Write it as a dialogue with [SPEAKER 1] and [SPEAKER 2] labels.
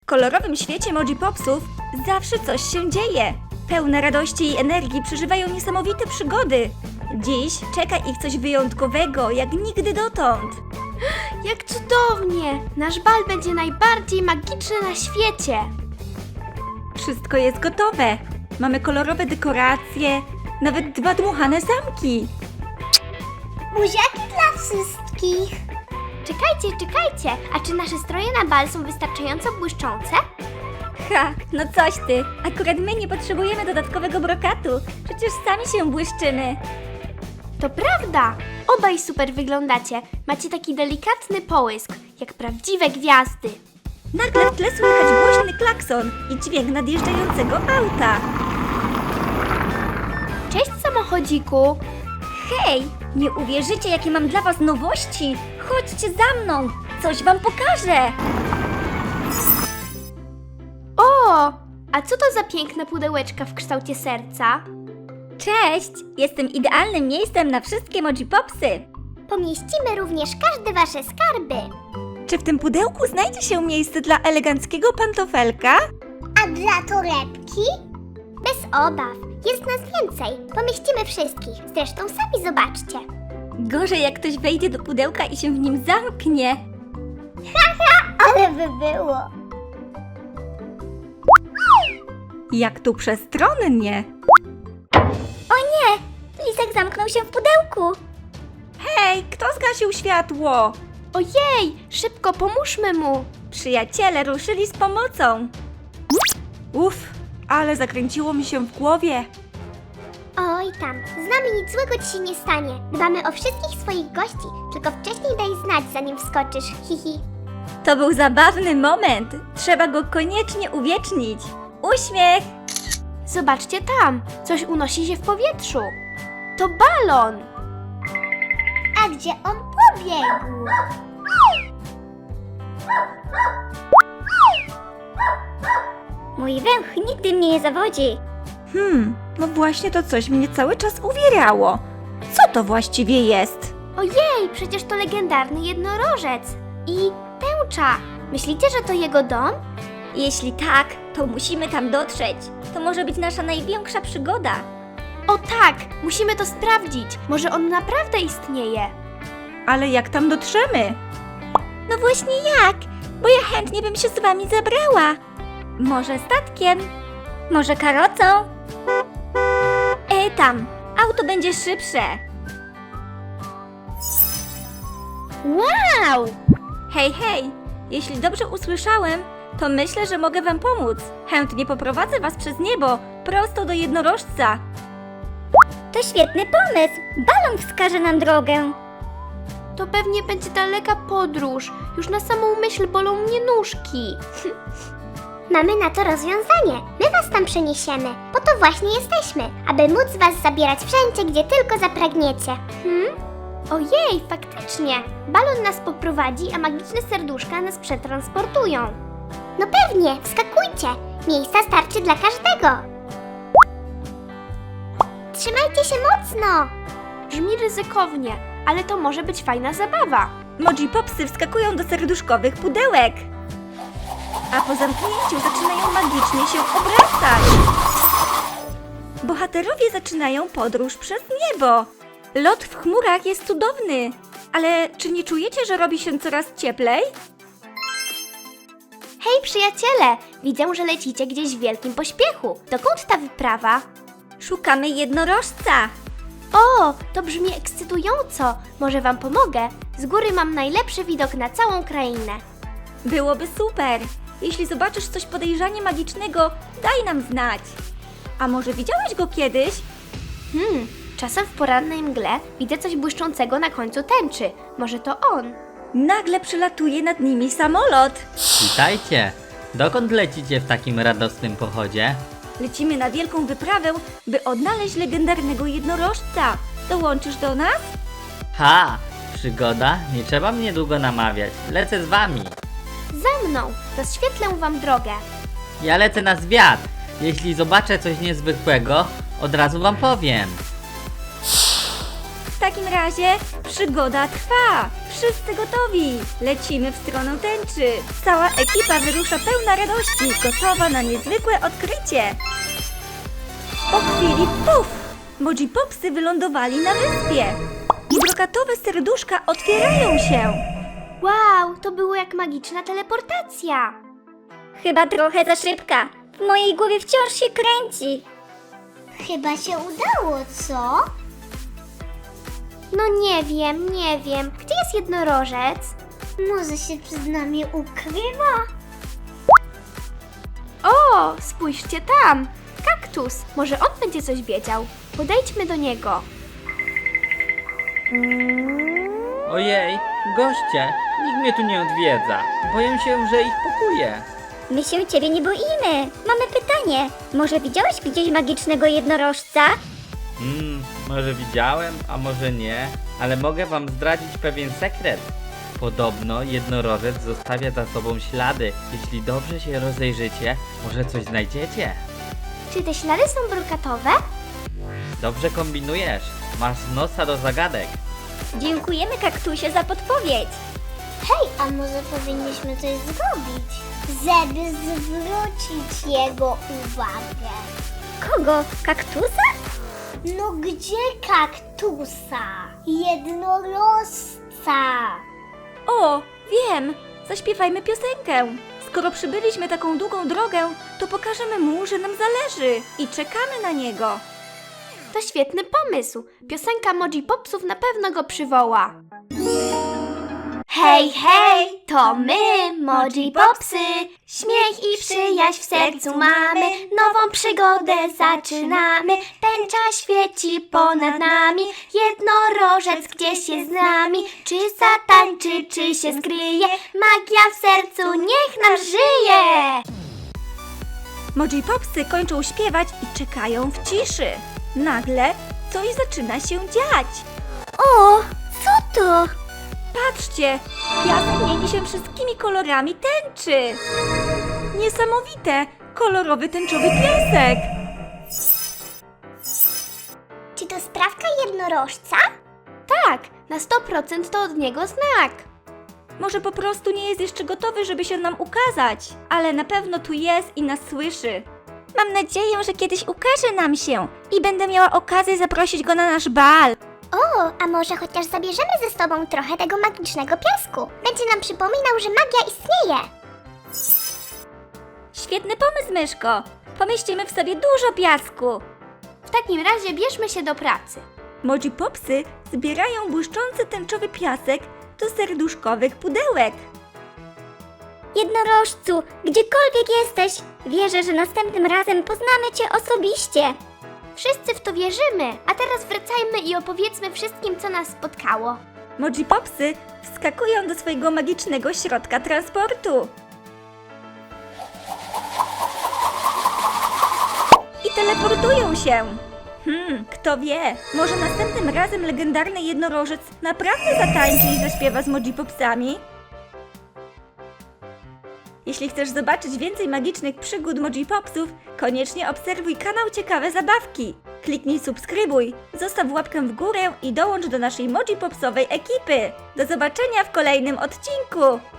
[SPEAKER 1] kolorowym świecie Mojipopsów zawsze coś się dzieje. Pełne radości i energii przeżywają niesamowite przygody. Dziś czeka ich coś wyjątkowego, jak nigdy dotąd.
[SPEAKER 2] Jak cudownie! Nasz bal będzie najbardziej magiczny na świecie.
[SPEAKER 1] Wszystko jest gotowe. Mamy kolorowe dekoracje, nawet 2 dmuchane zamki.
[SPEAKER 3] Buziaki dla wszystkich.
[SPEAKER 2] Czekajcie, a czy nasze stroje na bal są wystarczająco błyszczące?
[SPEAKER 1] Ha, no coś ty. Akurat my nie potrzebujemy dodatkowego brokatu. Przecież sami się błyszczymy.
[SPEAKER 2] To prawda! Obaj super wyglądacie. Macie taki delikatny połysk, jak prawdziwe gwiazdy.
[SPEAKER 1] Nagle w tle słychać głośny klakson i dźwięk nadjeżdżającego auta.
[SPEAKER 2] Cześć, samochodziku!
[SPEAKER 1] Hej, nie uwierzycie, jakie mam dla was nowości. Chodźcie za mną, coś wam pokażę.
[SPEAKER 2] O! A co to za piękne pudełeczka w kształcie serca?
[SPEAKER 1] Cześć, jestem idealnym miejscem na wszystkie Mojipopsy.
[SPEAKER 3] Pomieścimy również każde wasze skarby.
[SPEAKER 1] Czy w tym pudełku znajdzie się miejsce dla eleganckiego pantofelka?
[SPEAKER 3] A dla torebki? Bez obaw. Jest nas więcej. Pomieścimy wszystkich. Zresztą sami zobaczcie.
[SPEAKER 1] Gorzej, jak ktoś wejdzie do pudełka i się w nim zamknie.
[SPEAKER 3] Ale by było.
[SPEAKER 1] Jak tu przestronnie.
[SPEAKER 3] O nie! Lisek zamknął się w pudełku.
[SPEAKER 1] Hej, kto zgasił światło?
[SPEAKER 2] Ojej! Szybko pomóżmy mu!
[SPEAKER 1] Przyjaciele ruszyli z pomocą. Uff, ale zakręciło mi się w głowie.
[SPEAKER 3] Oj tam, z nami nic złego ci się nie stanie. Dbamy o wszystkich swoich gości, tylko wcześniej daj znać, zanim wskoczysz. Hihi.
[SPEAKER 1] To był zabawny moment. Trzeba go koniecznie uwiecznić. Uśmiech!
[SPEAKER 2] Zobaczcie tam! Coś unosi się w powietrzu. To balon!
[SPEAKER 3] A gdzie on pobiegł? Mój węch nigdy mnie nie zawodzi.
[SPEAKER 1] No właśnie to coś mnie cały czas uwierało. Co to właściwie jest?
[SPEAKER 2] Ojej! Przecież to legendarny jednorożec! I tęcza! Myślicie, że to jego dom?
[SPEAKER 1] Jeśli tak, to musimy tam dotrzeć. To może być nasza największa przygoda.
[SPEAKER 2] O tak! Musimy to sprawdzić! Może on naprawdę istnieje?
[SPEAKER 1] Ale jak tam dotrzemy? No właśnie jak? Bo ja chętnie bym się z wami zabrała. Może statkiem? Może karocą? Tam, auto będzie szybsze.
[SPEAKER 2] Wow!
[SPEAKER 1] Hej, hej, jeśli dobrze usłyszałem, to myślę, że mogę wam pomóc. Chętnie poprowadzę was przez niebo, prosto do jednorożca.
[SPEAKER 3] To świetny pomysł. Balon wskaże nam drogę.
[SPEAKER 2] To pewnie będzie daleka podróż. Już na samą myśl bolą mnie nóżki.
[SPEAKER 3] Mamy na to rozwiązanie. My was tam przeniesiemy. Po to właśnie jesteśmy, aby móc was zabierać wszędzie, gdzie tylko zapragniecie.
[SPEAKER 2] Ojej, faktycznie! Balon nas poprowadzi, a magiczne serduszka nas przetransportują.
[SPEAKER 3] No pewnie, wskakujcie. Miejsca starczy dla każdego. Trzymajcie się mocno.
[SPEAKER 2] Brzmi ryzykownie, ale to może być fajna zabawa.
[SPEAKER 1] Mojipopsy wskakują do serduszkowych pudełek. A po zamknięciu zaczynają magicznie się obracać. Bohaterowie zaczynają podróż przez niebo. Lot w chmurach jest cudowny. Ale czy nie czujecie, że robi się coraz cieplej?
[SPEAKER 2] Hej przyjaciele, widzę, że lecicie gdzieś w wielkim pośpiechu. Dokąd ta wyprawa?
[SPEAKER 1] Szukamy jednorożca.
[SPEAKER 2] O, to brzmi ekscytująco. Może wam pomogę? Z góry mam najlepszy widok na całą krainę.
[SPEAKER 1] Byłoby super. Jeśli zobaczysz coś podejrzanie magicznego, daj nam znać. A może widziałeś go kiedyś?
[SPEAKER 2] Czasem w porannej mgle widzę coś błyszczącego na końcu tęczy. Może to on?
[SPEAKER 1] Nagle przylatuje nad nimi samolot.
[SPEAKER 4] Witajcie! Dokąd lecicie w takim radosnym pochodzie?
[SPEAKER 1] Lecimy na wielką wyprawę, by odnaleźć legendarnego jednorożca. Dołączysz do nas?
[SPEAKER 4] Ha! Przygoda? Nie trzeba mnie długo namawiać. Lecę z wami.
[SPEAKER 2] Za mną! Rozświetlę wam drogę.
[SPEAKER 4] Ja lecę na zwiat. Jeśli zobaczę coś niezwykłego, od razu wam powiem.
[SPEAKER 1] W takim razie przygoda trwa. Wszyscy gotowi! Lecimy w stronę tęczy! Cała ekipa wyrusza pełna radości, gotowa na niezwykłe odkrycie! Po chwili puf! Moji Popsy wylądowali na wyspie! I brokatowe serduszka otwierają się!
[SPEAKER 2] Wow, to było jak magiczna teleportacja.
[SPEAKER 3] Chyba trochę za szybka. W mojej głowie wciąż się kręci. Chyba się udało, co?
[SPEAKER 2] No nie wiem. Gdzie jest jednorożec?
[SPEAKER 3] Może się przed nami ukrywa?
[SPEAKER 2] O, spójrzcie tam! Kaktus! Może on będzie coś wiedział. Podejdźmy do niego.
[SPEAKER 4] Ojej, goście, nikt mnie tu nie odwiedza. Boję się, że ich pokuje.
[SPEAKER 3] My się ciebie nie boimy. Mamy pytanie. Może widziałeś gdzieś magicznego jednorożca?
[SPEAKER 4] Może widziałem, a może nie, ale mogę wam zdradzić pewien sekret. Podobno jednorożec zostawia za sobą ślady. Jeśli dobrze się rozejrzycie, może coś znajdziecie.
[SPEAKER 2] Czy te ślady są brokatowe?
[SPEAKER 4] Dobrze kombinujesz, masz nosa do zagadek.
[SPEAKER 3] Dziękujemy kaktusie za podpowiedź. Hej, a może powinniśmy coś zrobić, żeby zwrócić jego uwagę? Kogo? Kaktusa? No gdzie kaktusa? Jednorożca.
[SPEAKER 1] O, wiem! Zaśpiewajmy piosenkę! Skoro przybyliśmy taką długą drogę, to pokażemy mu, że nam zależy i czekamy na niego.
[SPEAKER 2] To świetny pomysł. Piosenka Moji Popsów na pewno go przywoła. Hej, hej, to my, Moji Popsy. Śmiech i przyjaźń w sercu mamy. Nową przygodę zaczynamy. Tęcza świeci ponad nami. Jednorożec gdzieś jest z nami. Czy zatańczy, czy się skryje? Magia w sercu niech nam żyje.
[SPEAKER 1] Moji Popsy kończą śpiewać i czekają w ciszy. Nagle coś zaczyna się dziać.
[SPEAKER 3] O, co to?
[SPEAKER 1] Patrzcie, piasek mieni się wszystkimi kolorami tęczy. Niesamowite, kolorowy tęczowy piasek.
[SPEAKER 3] Czy to sprawka jednorożca?
[SPEAKER 2] Tak, na 100% to od niego znak.
[SPEAKER 1] Może po prostu nie jest jeszcze gotowy, żeby się nam ukazać, ale na pewno tu jest i nas słyszy. Mam nadzieję, że kiedyś ukaże nam się i będę miała okazję zaprosić go na nasz bal.
[SPEAKER 3] O, a może chociaż zabierzemy ze sobą trochę tego magicznego piasku? Będzie nam przypominał, że magia istnieje.
[SPEAKER 1] Świetny pomysł, myszko. Pomieścimy w sobie dużo piasku.
[SPEAKER 2] W takim razie bierzmy się do pracy.
[SPEAKER 1] Moji Popsy zbierają błyszczący tęczowy piasek do serduszkowych pudełek.
[SPEAKER 3] Jednorożcu, gdziekolwiek jesteś, wierzę, że następnym razem poznamy Cię osobiście.
[SPEAKER 2] Wszyscy w to wierzymy, a teraz wracajmy i opowiedzmy wszystkim, co nas spotkało.
[SPEAKER 1] Moji Popsy wskakują do swojego magicznego środka transportu. I teleportują się. Kto wie, może następnym razem legendarny jednorożec naprawdę zatańczy i zaśpiewa z Moji Popsami? Jeśli chcesz zobaczyć więcej magicznych przygód Moji Popsów, koniecznie obserwuj kanał Ciekawe Zabawki. Kliknij subskrybuj, zostaw łapkę w górę i dołącz do naszej Moji Popsowej ekipy. Do zobaczenia w kolejnym odcinku!